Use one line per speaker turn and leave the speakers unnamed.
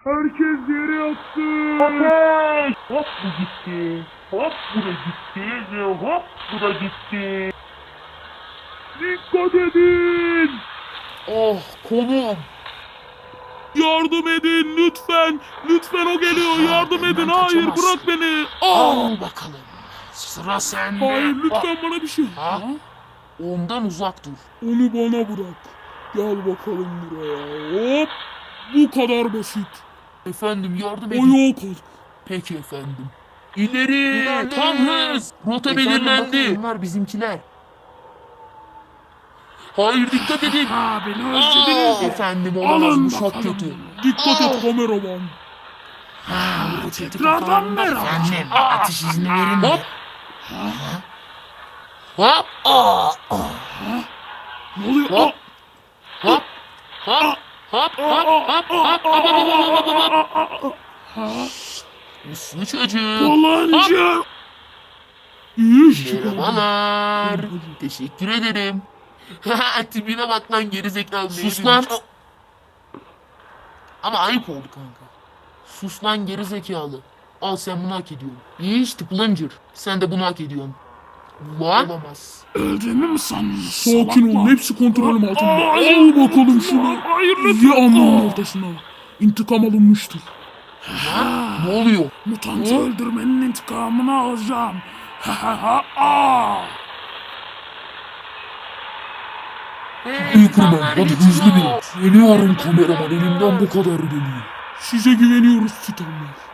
Herkes yere yatsın.
Ateş! Hop bu gitti. Hop bu da gitti ve hop bu da gitti.
Dikkat edin.
Oh konum.
Yardım edin lütfen. Lütfen o geliyor. Yardım
benden
edin. Hayır
kaçamazsın.
bırak beni.
Al bakalım. Sıra sende.
Hayır lütfen bana bir şey.
Ha? Ondan uzak dur.
Onu bana bırak. Gel bakalım buraya. Hop. Bu kadar basit.
Efendim yardım edin.
Ayağa kalk.
Peki efendim.
İleri.
Tam hız. Rota belirlendi. Bunlar bizimkiler. Hayır dikkat edin.
Ha beni
Aa, efendim olamaz bu çok kötü.
Dikkat et kameraman.
Tekrardan merhaba. Efendim atış izni verin mi? Hop. Hop.
Ne oluyor?
Hop. Hop. Hop. Hop. Hop. Hop. Hop. Uslu çocuk.
Yalancı. İyi iş çıkardın.
Merhabalar. Teşekkür ederim. Tipine bak lan gerizekalı. Sus lan. Ama ayıp oldu kanka. Sus lan gerizekalı. Al sen bunu hak ediyorsun. İyi işte Plunger. Sen de bunu hak ediyorsun. Lan. Olamaz.
Öldüğümü mü sanıyorsun? Sakin olun. Hepsi kontrolüm altında. Al bakalım şunu. Ye alnının ortasına. İntikam alınmıştır.
Ne oluyor?
Mutantı öldürmenin intikamını alacağım. Ha ha ha ha.
Büyükürmen hadi hızlı bin. Geliyorum kameraman elimden bu kadar geliyor.
Size güveniyoruz Titanlar.